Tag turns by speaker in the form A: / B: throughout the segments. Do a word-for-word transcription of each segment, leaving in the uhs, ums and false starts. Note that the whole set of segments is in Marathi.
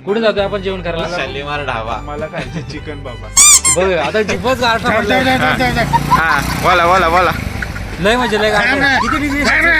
A: कुठे जातोय आपण जेवण करायला?
B: शालीमार ढाबा.
C: मला खायचे चिकन बाबा.
A: बघ आता जिभच गारठा पडलाय.
B: हा बोला बोला बोला.
A: लय म्हणजे लय गारठा. किती डिग्री?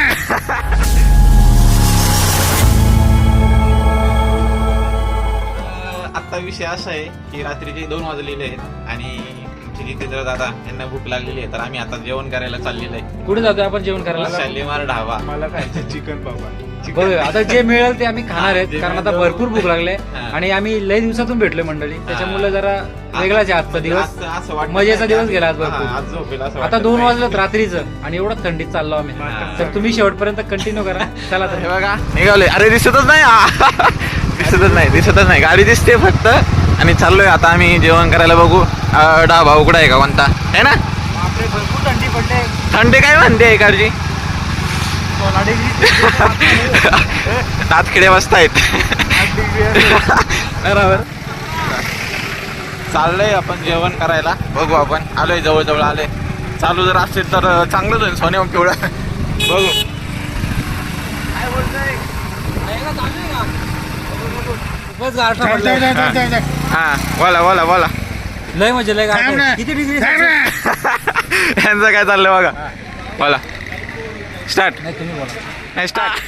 B: आता विषय असा आहे की रात्रीचे दोन वाजलेले आहेत आणि जितेंद्र दादा यांना भूक लागलेली आहे, तर आम्ही आता जेवण करायला चाललेलं आहे.
A: कुठे जातोय आपण जेवण करायला?
B: शालीमार ढाबा.
C: मला खायचे चिकन बाबा.
A: बघ आता जे मिळेल ते आम्ही खाणार आहेत, कारण आता भरपूर भूक लागले आणि आम्ही लय दिवसातून भेटलोय मंडळी, त्याच्यामुळे जरा वेगळाच आहे आजचा दिवस. मजेचा दिवस गेला आज भरपूर. आता दोन वाजलं रात्रीचं आणि एवढं थंडीत चाललो आम्ही, तर तुम्ही शेवटपर्यंत कंटिन्यू करा. चला तर
B: बघा निघालोय. अरे दिसतच नाही, दिसतच नाही दिसतच नाही गाडी दिसते फक्त. आणि चाललोय आता आम्ही जेवण करायला. बघू ढाबा उघडा आहे का कोणता आहे ना.
A: भरपूर थंडी पडते.
B: थंडी काय म्हणते इकडची? दातखिडे बसतायत. बरोबर. चाललंय आपण जेवण करायला. बघू आपण आलोय, जवळ जवळ आलोय. चालू जर असेल तर चांगलंच होईल. सोने पिवळा बघू
A: काय बोलतोय? खूपच गारठा पडलाय.
B: हा बोला बोला बोला.
A: लय म्हणजे लय गारठा. किती डिग्री?
B: यांचं काय चाललंय बघा. बोला स्टार्ट.
A: नाही तुम्ही बोला.
B: नाही स्टार्ट.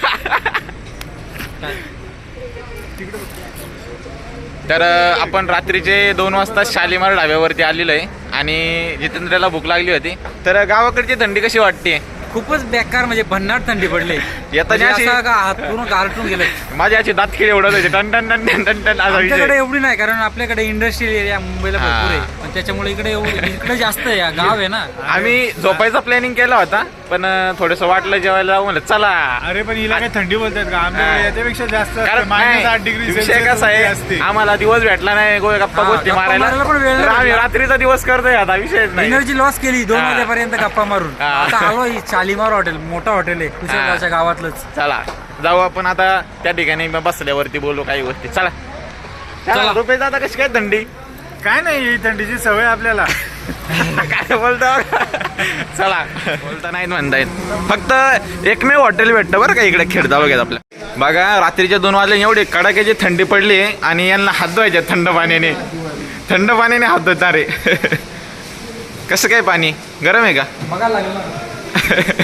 B: तर आपण रात्रीचे दोन वाजता शालीमार ढाब्यावरती आलेलो आहे आणि जितेंद्रला भूक लागली होती. तर गावाकडची थंडी कशी वाटते?
A: खूपच बेकार, म्हणजे भन्नाट थंडी पडली.
B: येताना
A: म्हणजे
B: अशी-
A: असं का हात पूर्ण गारठून गेले.
B: माझ्या अशी दात खिळे उडत होते. टन टन टन टन टन टन असा विषय.
A: आमच्याकडे एवढी नाही, कारण आपल्याकडे इंडस्ट्रियल एरिया मुंबईला भरपूर आहे, पण त्याच्यामुळे इकडे एवढी- इकडे जास्त आहे. या गाव आहे ना.
B: आम्ही झोपायचा प्लॅनिंग केला होता, पण थोडस वाटलं जेवायला जाऊ म्हणलं चला.
C: अरे पण हिला काय थंडी बोलतात का? आमच्याकडे याच्यापेक्षा जास्त
B: कारण
C: मायनस आठ
B: नाही,
C: डिग्री
B: विषय कसा आहे, आम्हाला दिवस भेटला नाही गो- गप्पा
A: हा,
B: गोष्टी
A: गप्पा
B: मारायला.
A: मारायला पण वेळ
B: तर
A: नाही
B: आम्ही
A: भेटला.
B: रात्रीचा दिवस करतोय आता, विषयच नाही.
A: एनर्जी लॉस केली दोन
B: हा.
A: वाजेपर्यंत गप्पा मारून.
B: हा.
A: आता आलो ही शालीमार हॉटेल, मोठा हॉटेल आहे कुशलगावच्या गावातलंच.
B: चला जाऊ आपण आता त्या ठिकाणी बसल्यावरती बोलू काही गोष्टी. चला चला.
A: चला.
B: रुपये आता कशी काय थंडी?
C: काय नाही, ही थंडीची सवय आपल्याला.
B: काय बोलता? चला बोलता नाही म्हणता येत. फक्त एकमेव हॉटेल भेटतं बरं का इकडे खेड तालुक्यात आपल्या. बघा रात्रीच्या दोन वाजले एवढी कडाक्याची थंडी पडली आणि यांना हात धुवायचे थंड पाण्याने. थंड पाण्याने हात धुता रे. कसं काय पाणी गरम आहे का?
A: बघायला लागलं ना.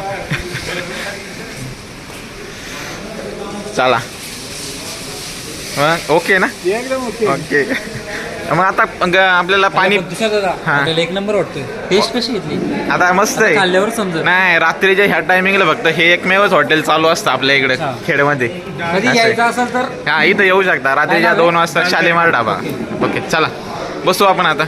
B: चला मग ओके ना.
C: एकदम ओके.
B: ओके मग आता ग- आपल्याला पाणी
A: दुसरा दादा
B: हा.
A: हॉटेल एक नंबर वाटतोय. टेस्ट कशी घेतली?
B: आता मस्त आहे.
A: खाल्ल्यावर समजेल.
B: नाही रात्रीच्या ह्या टायमिंगला फक्त हे एकमेवच हॉटेल चालू असतं आपल्या इकडे
A: हा.
B: खेडमध्ये.
A: कधी
B: असं
A: यायचं
B: आहे.
A: असेल तर
B: हा इथं येऊ शकता रात्रीच्या
A: काय नाव
B: दोन
A: आहे?
B: वाजता शालीमार ढाबा. ओके चला बसू आपण आता.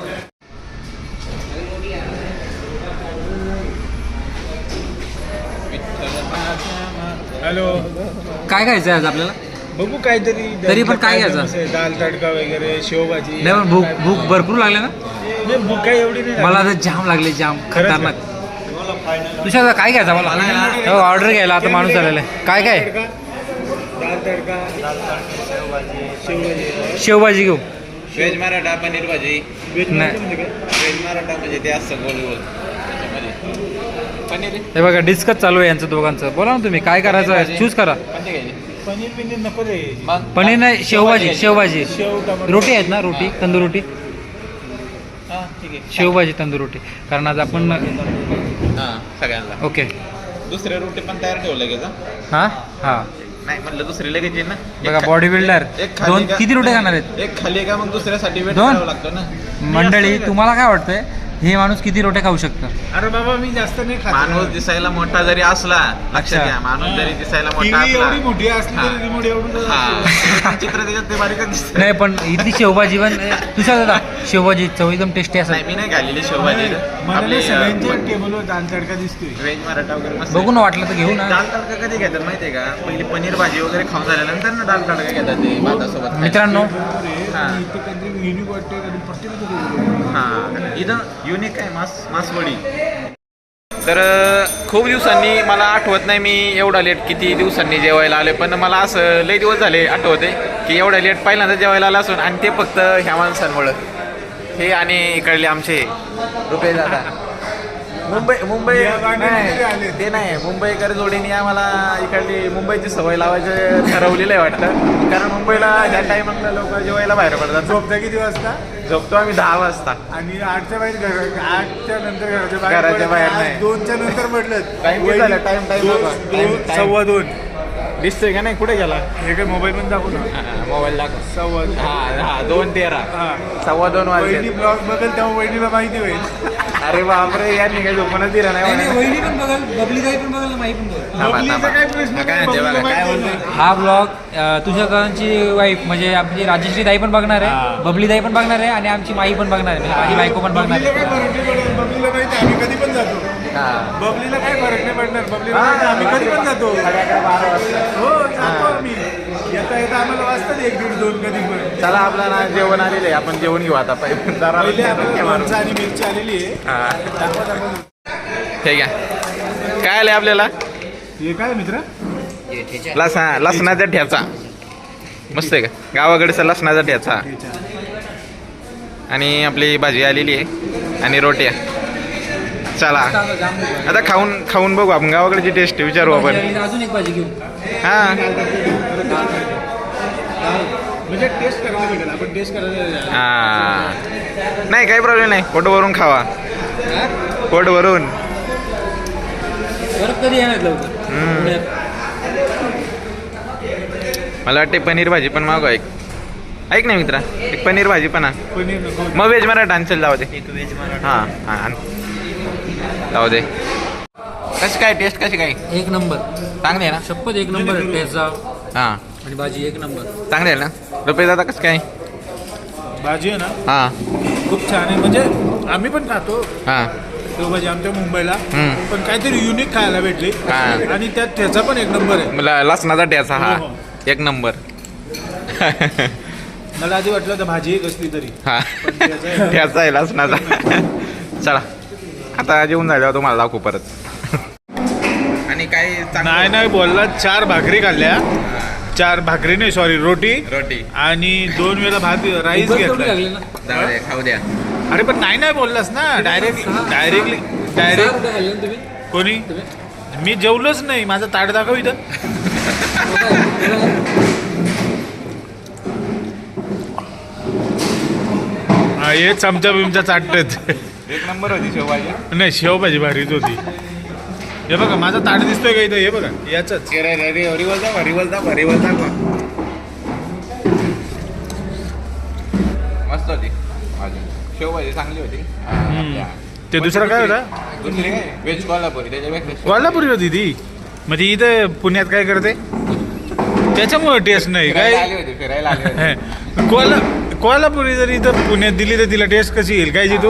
C: हॅलो,
A: काय खायचं आज आपल्याला?
C: बघू काहीतरी.
A: तरी पण काय घ्यायचं?
C: आहे, दाल तडका वगैरे, शेवभाजी.
A: नाही पण भूक भूक भरपूर लागले ना.
C: नाही, भूक काय एवढी नाही
A: मला
C: लागली.
A: आता जाम लागले, जाम
C: खरंच
A: खतरनाक. तुझ्या काय घ्यायचं मला? ऑर्डर घ्यायला आता माणूस आलेला आहे. काय काय?
C: तडका, दाल तडका, दाल तडका, शेवभाजी, शेवभाजी.
A: शेवभाजी घेऊ.
B: व्हेज मराठा पनीर भाजी.
C: व्हेज
A: नाही.
C: म्हणजे काय?
B: व्हेज मराठा म्हणजे ते असतं गोल गोल पनीर.
A: हे बघा डिस्कस चालू आहे यांचं दोघांचं. बोला ना तुम्ही काय करायचं आहे, चूज करा.
C: पनीर बिनीर नको रे.
A: पनीर नाही, शेवभाजी. शेवभाजी
C: शेव टमाटर.
A: रोटी आहेत ना, रोटी तंदूर रोटी.
B: हा ठीक आहे.
A: शेवभाजी तंदूर रोटी, कारण आज आपण
B: हा सगळ्यांना
A: ओके.
B: दुसऱ्या रोटी पण तयार ठेवलं लगेच. हा?
A: हां हां
B: नाही म्हटलं दुसरी लगेच येईल ना.
A: बघा
B: एक खा-
A: बॉडी बिल्डर
B: एक खाली
A: दोन
B: का-
A: किती रोटी खाणार आहेत
B: एक खाली का मग दुसऱ्यासाठी वेट
A: दोन?
B: करावं लागतं ना.
A: मंडळी? तुम्हाला काय वाटतंय हे माणूस किती रोट्या खाऊ शकतं?
C: अरे बाबा मी जास्त नाही खात.
B: माणूस दिसायला मोठा जरी असला, लक्षात
A: अच्छा.
B: घ्या माणूस जरी दिसायला मोठा
C: टीव्ही
B: असला,
C: एवढी मोठी असली
B: हा.
C: तरी रिमोट एवढं
B: हा. चित्र त्याच्यात ते बारीकच दिसत.
A: नाही पण इथली शेवभाजी पण तुझ्या दादा शेवभाजी चव एकदम टेस्टी
B: नाही
A: असेल.
B: मी नाही खाल्लेली शेवभाजी.
C: मला
B: आपली
C: नाही, सगळ्यांच्या टेबलवर दाल तडका दिसतोय.
B: व्हेज मराठा वगैरे मस्त.
A: बघू ना, वाटलं तर घेऊ ना.
B: दाल तडका कधी घेतात माहितीये का? पहिली पनीर भाजी वगैरे खाऊन झाल्यानंतर ना दाल तडका घेतात ते भातासोबत खायला.
A: मित्रांनो
B: हा.
C: इथे काहीतरी युनिक वाटतंय, कधी प्रत्येक
B: हा इथं युनिक आहे मास मासवडी. तर खूप दिवसांनी मला आठवत नाही मी एवढा लेट किती दिवसांनी जेवायला आले, पण मला असं लई दिवस झाले आठवते की एवढा लेट पहिल्यांदा जेवायला आला असून, आणि ते फक्त ह्या माणसांमुळं. हे आणि इकडले आमचे रुपये दादा. मुंबई मुंबई
C: या गाण्याने तरी आले.
B: नाही, ते नाही मुंबईकर जोडीने आम्हाला इकडली मुंबईची सवय लावायची ठरवलेलं आहे वाटतं. कारण मुंबईला ह्या टायमाला लोक जेवायला बाहेर पडतात.
C: झोपता किती वाजता
B: झोपतो आम्ही दहा वाजता.
C: आणि आठच्या बाहेर घर आठच्या नंतर घराच्या बाहेर
B: घराच्या
C: पडत
B: बाहेर
C: नाही.
B: नाही.
C: आज दोनच्या नंतर म्हटलं
B: Time किती झाला? Time- time
C: दोन-
B: बघा.
C: दोन-
B: Time- time.
C: सव्वा दोन
B: दिसतोय का नाही कुठे गेला
C: हे काय मोबाईल पण दाखवू ना
B: मोबाईल दाखव.
C: सव्वा दोन.
B: हा हा दोन तेरा
C: हा.
B: सव्वा दोन
C: वहिनी
B: वाजले.
C: ब्लॉग बघेल तेव्हा वहिनीला माहिती होईल.
B: अरे बापरे यांनी काही झोपूनच दिलं नाही मला.
A: वहिनी पण बघाल बबली ताई पण बघाल माई पण बघाल.
B: थांबा,
C: बबलीचा
B: थांबा.
C: काय प्रश्न
B: हा, काय
C: नाही,
B: म्हणते बघा,
C: बबलीला
B: काय
C: माहिती
B: बोलतोय?
A: हा ब्लॉग तुझ्याकांची वाईफ म्हणजे आमची राजश्री ताई पण बघणार
C: हा.
A: आहे, बबली ताई पण बघणार आहे आणि आमची माई पण बघणार आहे, म्हणजे माझी बायको पण बघणार
C: बबलीला काय
A: आहे.
C: फरक नाही पडत. बबलीला माहिती आहे, आम्ही कधी पण जातो.
B: हा.
C: बबलीला काय फरक नाही पडणार. बबलीला माहिती आहे, आम्ही कधी पण जातो.
B: सगळ्याकडे बारा वाजता.
C: हो जातो आम्ही. येता येता आम्हाला वाजतात एक दीड दोन कधी पण.
B: चला आपल्याला जेवण आलेलं आहे आपण जेवण घेऊ आता पहिले जरा
C: पहिले आपल्याला माणसं आणि मिरची आलेली आहे.
B: हा.
C: दाखवा दाखवा.
B: ठीक आहे काय आलंय आपल्याला
C: हे काय मित्र
B: लसणा लसणाचा ठ्याचा मस्त आहे का गावाकडचा लसणाचा ठ्याचा आणि आपली भाजी आलेली आहे आणि रोट्या. चला आता खाऊन खाऊन बघू आपण गावाकडची टेस्ट विचारू आपण.
A: अजून एक भाजी घेऊ.
B: हा
C: म्हणजे टेस्ट करायला भेटेल आपण टेस्ट करायला.
B: हा नाही काही प्रॉब्लेम नाही पोट भरून खावा पोट भरून.
A: परत कधी येणार लवकर
B: हम्म.
A: पुण्यात?
B: मला वाटते पनीर भाजी पण मागवा एक. ऐक नाही मित्रा एक पनीर भाजी पण आण.
C: पनीर नको.
B: मग व्हेज मराठा आणसेल जाऊ दे.
C: व्हेज मराठा.
B: हां हां आण. जाऊ दे. कशी काय टेस्ट कशी काय
A: एक नंबर
B: चांगली आहे ना.
A: शपथ एक नंबर टेस्टचा
B: हां
A: आणि भाजी एक नंबर.
B: चांगली आहे ना. रुपये दादा कसं काय.
C: भाजी आहे ना
B: हां
C: खूप छान आहे. म्हणजे आम्ही पण खातो
B: हां
C: शेवभाजी आमच्या मुंबईला.
B: हम्म.
C: पण काहीतरी युनिक खायला भेटली
B: हा.
C: आणि त्यात ठेचा पण एक नंबर आहे.
B: मला लसणाचा ठ्याचा हा
C: हो, हो.
B: एक नंबर.
C: मला आधी वाटलं तर भाजी एक असली तरी
B: हा
C: पण ठेचा आहे.
B: ठ्याचा आहे लसणाचा. चला आता जेवून झाल्यावर तुम्हाला दाखवू परत. आणि काय
C: नाही नाही बोलला चार भाकरी खाल्ल्या. चार भाकरी नाही सॉरी रोटी
B: रोटी
C: आणि दोन वेळा भात राईस
A: उगाच तेवढी
C: घेतला.
A: लागली ना.
B: जाऊ द्या खाऊ द्या.
C: अरे पण नाही नाही बोललास ना डायरेक्ट डायरेक्टली
A: सहा
C: डायरेक्ट
A: रुपये खाल्ले ना तुम्ही?
C: कोणी
A: तुम्ही?
C: मी जेवलोच नाही. माझं ताट दाखव इथं. हा हे चमचा बिमचा चाटत.
B: एक नंबर होती शेवभाजी.
C: नाही शेवभाजी भारीच होती. हे बघा माझा ताट दिसतोय का इथं. हे बघा याच
B: रिवल दाखवा रिवल दाखवा रिवल दाखवा. मस्त होती भाजी शेवभाजी चांगली होती.
C: ते दुसरं काय होता.
B: दुसरी काय व्हेज कोल्हापुरी त्याच्यापेक्षा
C: कोल्हापुरी होती ती. मग ती इथं पुण्यात काय करते त्याच्यामुळे टेस्ट नाही
B: फिरायला
C: काय.
B: आली होती फिरायला आली होती.
C: कोल्हा कोल्हापुरी जर इथं पुण्यात दिली तर तिला टेस्ट कशी येईल काय जी तू.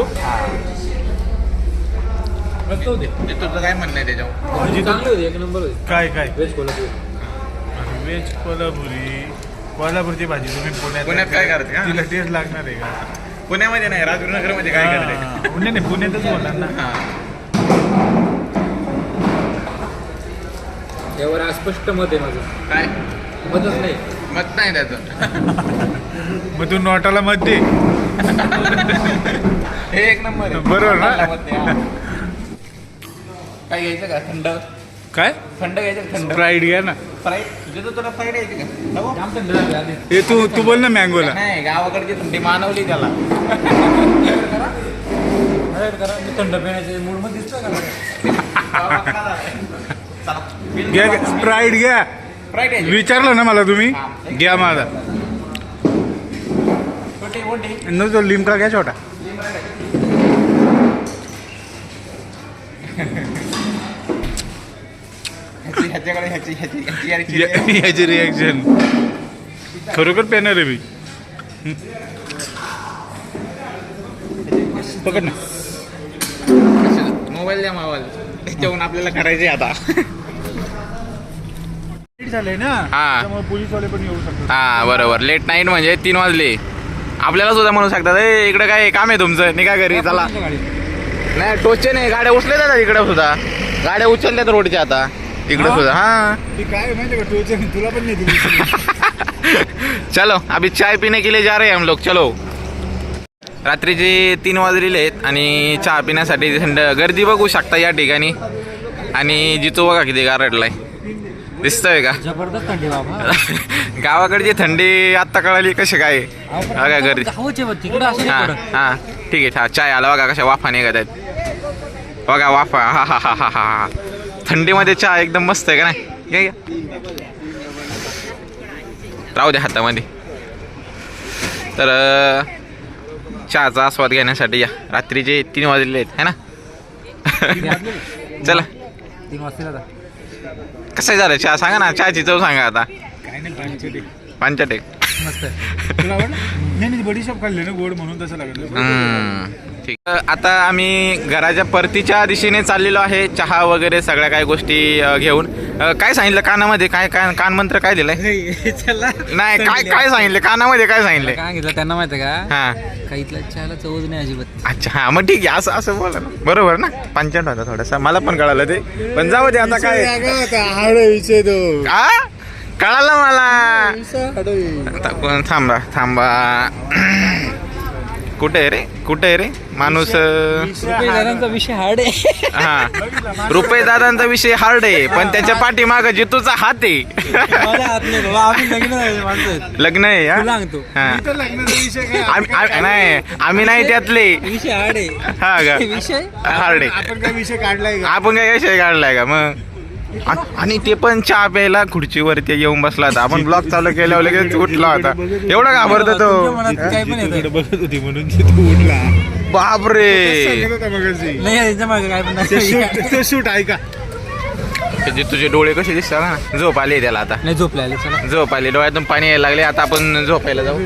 A: मस्त होते.
B: ते तुझं काय म्हणणं आहे त्याच्यावर.
C: भाजी तू
A: चांगली होती एक नंबर होती.
C: काय काय
A: व्हेज कोल्हापुरी.
C: व्हेज कोल्हापुरी कोल्हापूरची भाजी तुम्ही पुण्यात
B: पुण्यात काय करते का?
C: तिला टेस्ट लागणार आहे का.
B: पुण्यामध्ये नाही राजगुरुनगर मध्ये काय करते.
C: हा. पुणे नाही पुण्यातच बोलणार ना.
B: हा.
A: यावर अस्पष्ट मत आहे माझं.
B: काय
A: मतच नाही.
B: मत नाही त्याचं.
C: मग तू नोटाला मत दे.
B: हे एक नंबर आहे.
C: बरोबर ना?
B: मला मत नाही, हा. काय घ्यायचं का थंड
C: काय
B: थंड घ्यायचं का थंड
C: फ्राईड घ्या ना.
B: फ्राईड तुझं तर तुला फ्राईड घ्यायची का नको?
A: जाम थंड झाली आधी.
C: हे तू तू बोल ना मँगोला.
B: नाही गावाकडची थंडी मानवली त्याला.
A: अरे करा मी थंड पिण्याचे मूड मध्ये दिसतोय का.
C: घ्या स्प्राईट घ्या.
B: फ्राईड घ्यायची
C: विचारलं ना मला तुम्ही घ्या माझा.
B: छोटी मोठी
C: न तो लिमका घ्या छोटा.
B: ह्याची ह्याच्याकडे ह्याची ह्याची ह्याची आणि चिरी.
C: या- याची रिॲक्शन खरोखर पेणार आहे मी. पकड ना.
B: मोबाईल द्या मोबाईल त्याच्यावरून आपल्याला करायचे आता.
C: लेट झालंय ना
B: हा.
C: त्यामुळे पोलीसवाले पण येऊ शकतात.
B: हा बरोबर लेट नाईट म्हणजे तीन वाजले. आपल्याला सुद्धा म्हणू शकतात ए इकडे काय काम आहे तुमचं निघा घरी चला. नाही टोचे नाही गाड्या उचलल्या जातात इकडे सुद्धा. गाड्या उचलल्यात रोडच्या आता इकडे
C: हा?
B: सुद्धा. हा
C: ती काय माहिती का टोचे तुला पण नाही दिली.
B: चलो अभी चाय पीने के लिए जा रहे हैं हम लोग चलो. रात्रीचे तीन वाजलेले आहेत आणि चहा पिण्यासाठी थंड गर्दी बघू शकता या ठिकाणी. आणि जितू बघा किती गारटलाय दिसतोय का.
A: जबरदस्त थंडी बाबा.
B: गावाकडची थंडी आत्ता कळाली कशी काय बघा गर्दी. हा हा ठीक आहे. हा चाय आला बघा कशा वाफा निघत आहेत बघा वाफा. हा हा हा हा हा थंडीमध्ये चहा एकदम मस्त आहे का नाही. घ्या घ्या राहू द्या हातामध्ये. तर चहाचा आस्वाद घेण्यासाठी या. रात्रीचे तीन वाजलेले आहेत है ना. चला
A: तीन वाजता
B: कसं झालं चहा सांगा ना. चहाची चव सांगा आता.
C: काय नाही पाणीचे
B: पंचाटेक
A: मस्त.
C: तुला आवडलं नाही नाही बडीशॉप खाल्ले ना गोड म्हणून तसं लागलं.
B: हम्म, ठीक. आता आम्ही घराच्या परतीच्या दिशेने चाललेलो आहे चहा वगैरे सगळ्या काही गोष्टी अ, घेऊन. अ, काय सांगितलं कानामध्ये काय काय कानमंत्र काय दिलंय. नाही काय काय सांगितलं कानामध्ये काय सांगितलंय.
A: काय घेतलं त्यांना माहिती का.
B: हा
A: काही इथला चहाला चवच नाही अजिबात.
B: अच्छा हा मग ठीक आहे असं असं बोला ना. बरोबर ना पंचायत होता थोडासा मला पण कळालं ते. पण जाऊ दे आता काय
C: विषय तो
B: आ कळालं मला. आता थांबा थांबा कुठे आहे रे कुठे आहे रे माणूस.
A: रुपये विषय हार्ड आहे.
B: हा रुपये दादांचा विषय हार्ड आहे पण त्याच्या पाठीमाग जितूचा हात आहे. लग्न आहे हा?
A: सांगतो
B: हा.
C: लग्नाचा विषय काय
B: आम्ही- आम्ही- नाही आम्ही नाही त्यातले.
A: विषय हार्ड आहे.
B: हा का
A: विषय
B: हार्ड आहे.
C: आपण काय विषय काढलाय का.
B: आपण काय विषय काढलाय का मग. आ- आणि ते पण चहा प्यायला खुर्चीवरती येऊन बसला होता. आपण ब्लॉग चालू केल्यावर लगेच उठला होता. एवढा घाबरतो
A: तुमच्या
B: तो.
A: मनात काय पण येतं.
C: तिकडे बघत होती म्हणून तू उठला.
B: बापरे
C: सांगत होता मगाशी.
A: नाही याच्या मागे काय पण
C: ते
A: नाही.
C: शूट ते शूट ऐका.
B: ते तुझे डोळे कसे दिसतात ना. झोप आली त्याला आता.
A: नाही झोपले आले चला.
B: झोप आली डोळ्यातून पाणी यायला लागले. आता आपण झोपायला जाऊ.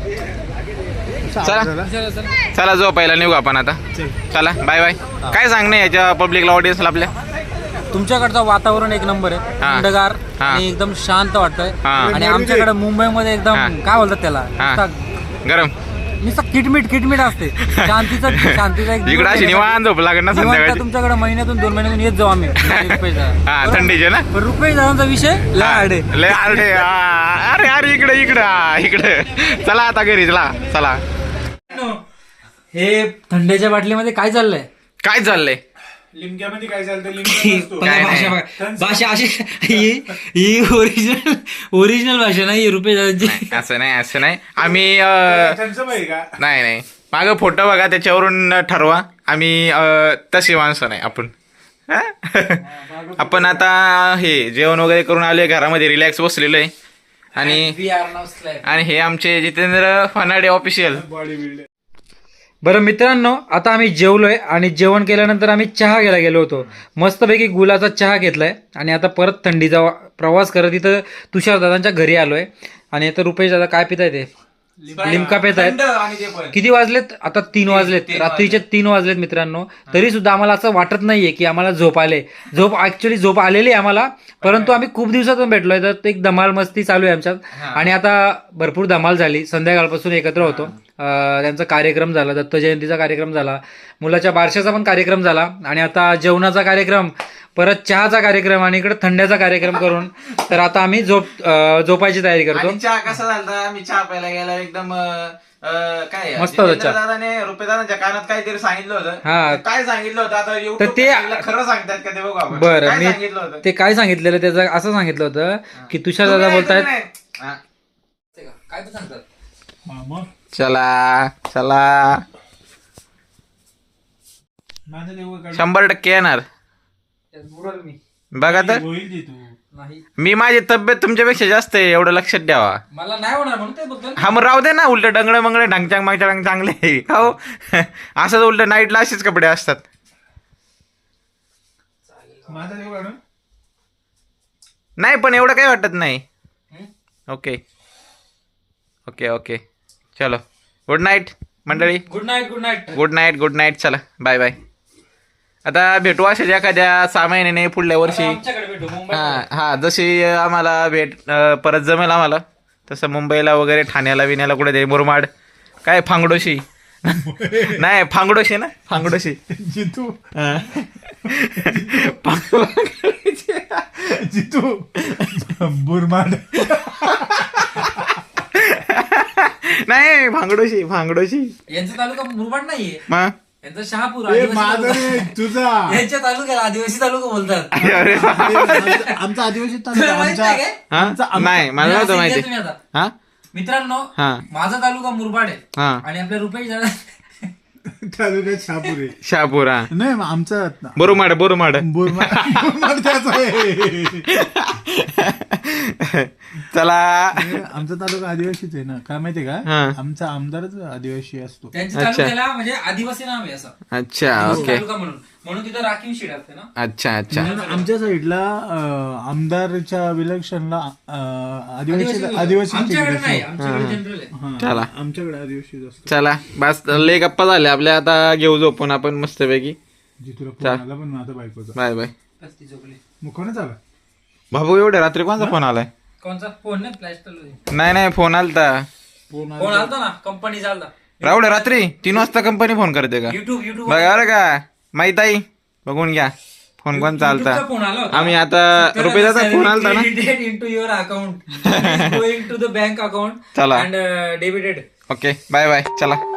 B: चला
A: चला चला.
B: चला झोपायला निघू आपण आता. चला बाय बाय. काय सांगणं याच्या पब्लिकला ऑडियन्सला आपल्या.
A: तुमच्याकडचं वातावरण एक नंबर आहे.
B: हा.
A: थंडगार
B: हा.
A: आणि एकदम शांत वाटतंय.
B: हा.
A: आणि आमच्याकडे मुंबईमध्ये
B: हा.
A: एकदम काय बोलतात त्याला
B: हा.
A: नुसता-
B: गरम
A: नुसतं किटमिट किटमिट असते. शांतीचा शांतीचा एक
B: इकडं अशी निवांत झोप लागत ना
A: निवांत
B: संध्याकाळी.
A: तुमच्याकडे महिन्यातून दोन महिन्यातून येत जाऊ आम्ही रुपये
B: हा थंडीचे ना.
A: रुपये दादांचा विषय लाड आहे.
B: लय अरे आ, अरे अरे इकडे इकडे आ, इकडे चला आता घरी चला चला.
A: हे थंड्याच्या बाटलीमध्ये काय चाललंय.
B: काय चाललंय.
C: लिमक्यामध्ये काय चालतं लिमक्या
B: काय
A: भाषा
B: नाही.
A: बघा. भाषा अशी ही ही ओरिजिनल ओरिजिनल भाषा नाही रुपये दादांची.
B: असं नाही असं नाही आम्ही अ,
C: का.
B: नाही नाही मागं फोटो बघा त्याच्यावरून ठरवा. आम्ही अ, तशी माणसं नाही आपण. हा? आपण आता हे जेवण वगैरे करून आलोय घरामध्ये रिलॅक्स बसलेलो आहे. आणि आणि हे आमचे Jitendra Phanade official.
C: Body builder.
A: बरं मित्रांनो आता आम्ही जेवलोय आणि जेवण केल्यानंतर आम्ही चहा घ्यायला गेलो होतो. मस्तपैकी गुलाचा चहा घेतलाय आणि आता परत थंडीचा वा- प्रवास करत इथं तुषार दादांच्या घरी आलोय. आणि आता रुपेश दादा काय पिताय ते लिमका पेत आहेत. किती वाजलेत आता तीन वाजलेत रात्रीचे तीन वाजलेत मित्रांनो. तरी सुद्धा आम्हाला असं वाटत नाहीये की आम्हाला झोप आले. झोप ऍक्च्युली झोप आलेली आहे आम्हाला. परंतु आम्ही खूप दिवसातून भेटलोय तर एक धमाल मस्ती चालू आहे आमच्यात. आणि आता भरपूर धमाल झाली. संध्याकाळपासून एकत्र होतो. अं, त्यांचा कार्यक्रम झाला. दत्त जयंतीचा कार्यक्रम झाला. मुलाच्या बारशाचा पण कार्यक्रम झाला. आणि आता जेवणाचा कार्यक्रम परत चहाचा कार्यक्रम आणि इकडे थंड्याचा कार्यक्रम करून तर आता आम्ही झोप अं, झोपायची तयारी करतो.
B: आणि चहा कसा झाला आम्ही चहा प्यायला गेला एकदम अ, काय
A: मस्त होता चहा.
B: दादाने रुपये दादाच्या कानात काहीतरी सांगितलं होतं.
A: हा.
B: काय सांगितलं होतं आता
A: तर
B: YouTube
A: ते-
B: ला खरं सांगतात का ते बघू आपण.
A: बरं
B: काय
A: मी
B: सांगितलं होतं
A: ते काय सांगितलेलं त्याचं असं सांगितलं होतं की तुषार दादा
B: तुम्ही
A: बोलतायत.
B: ऐकलं नाही? हा.
A: काय पण सांगतात.
C: मामा
B: चला चला
C: माझं तेवढं काढ.
B: शंभर टक्के येणार
A: मी
B: बघा तर.
C: होईल ते तू.
A: नाही
B: मी माझी तब्येत तुमच्यापेक्षा जास्त आहे एवढं लक्षात ठेवा.
A: मला नाही होणार म्हणून ते बोलतो.
B: हा मग राहू दे ना उलट डंगडे मंगडे ढंगचांग मागचांग चांगले आहे. हो असंच उलट नाईटला असेच कपडे असतात.
C: माझं तेवढं काढून.
B: नाही पण एवढं काही वाटत नाही. ओके ओके ओके चलो गुड नाईट मंडळी.
A: Good night good night.
B: Good night good night चला बाय बाय. आता भेटू असेच एखाद्या सहा महिन्याने पुढल्या वर्षी.
A: आमच्याकडे भेटू मुंबईत.
B: हा हा जशी आम्हाला भेट अं, परत जमेल आम्हाला तसं मुंबईला वगैरे ठाण्याला विण्याला कुठे ते मुरमाड काय फांगडोशी नाही फांगडोशी ना फांगडोशी
C: जितू
B: फांगडोशी.
C: जितू बुरमाड.
B: नाही भांगडोशी भांगडोशी
A: यांचा तालुका मुरबाड नाहीये,
B: मग
A: यांचा शहापूर
D: ए,
A: आदिवासी
D: माझं
A: तालुका.
D: रे, तुझा
A: यांच्या तालुक्याला आदिवासी तालुका बोलतात.
B: अरे
D: आमचा- आमचा आदिवासी तालुका
A: तुला माहित
D: आमचा
A: नाही काय?
B: हा?
D: आमचा- आमचा-
B: नाही मला
A: नाही,
B: नव्हतं
A: असं
B: माहिती
A: इतिहास तुम्ही आता.
B: हा
A: मित्रांनो
B: हा
A: माझा तालुका मुरबाड आहे
B: हा
A: आणि आपल्या रुपये जरा
D: तालुक्यात शहापूर आहे.
B: शहापूर हा
D: नाही मग आमचा
B: बोरुमाड बोरुमाड
D: बोरमा बोरमाड आहे.
B: चला
D: आमचा तालुका आदिवासीच आहे ना, काय माहितीये का
B: हा.
D: आमचा आमदारच आदिवासी असतो.
A: त्यांच्या
B: अच्छा.
A: तालुक्याला म्हणजे आदिवासी नाव आहे असं
B: अच्छा
A: आदिवासी
B: ओके
A: तालुका म्हणून म्हणून तिथं राखीव शीट असते ना.
B: अच्छा अच्छा
D: म्हणून आमच्या साईडला अं, आमदारच्या विलक्षणला अं, आदिवासी
A: आदिवासी
D: आदिवासी
A: आमच्याकडे नाही, आमच्याकडे जनरल आहे.
B: चला.
D: आमच्याकडे आदिवासी असतो.
B: चला बस लय गप्पा झाल्या आपल्या, आता घेऊ झोपून आपण मस्तपैकी.
D: जी तुला फोन
B: चल.
D: आला पण माझा बायकोचा
B: बाय बाय.
A: बस ती झोपली.
D: मग कोणाच आला?
B: भाऊ एवढ्या रात्री कोणता फोन आलाय?
A: कोणचा फोन नाही, फ्लॅश चालू
B: नाही नाही फोन आलता
D: फोन
A: फोन आलता ना, कंपनी चालता.
B: एवढ्या रात्री तीन वाजता कंपनी फोन करते का?
A: युट्यूब युट्यूब
B: बघा बरं का माहित आहे, बघून घ्या फोन कोण चालता.
A: फोन आला होता.
B: आम्ही आता रुपयाचा फोन आलता ना.
A: Into your account going to the bank account
B: चला.
A: And debited.
B: Okay bye bye चला.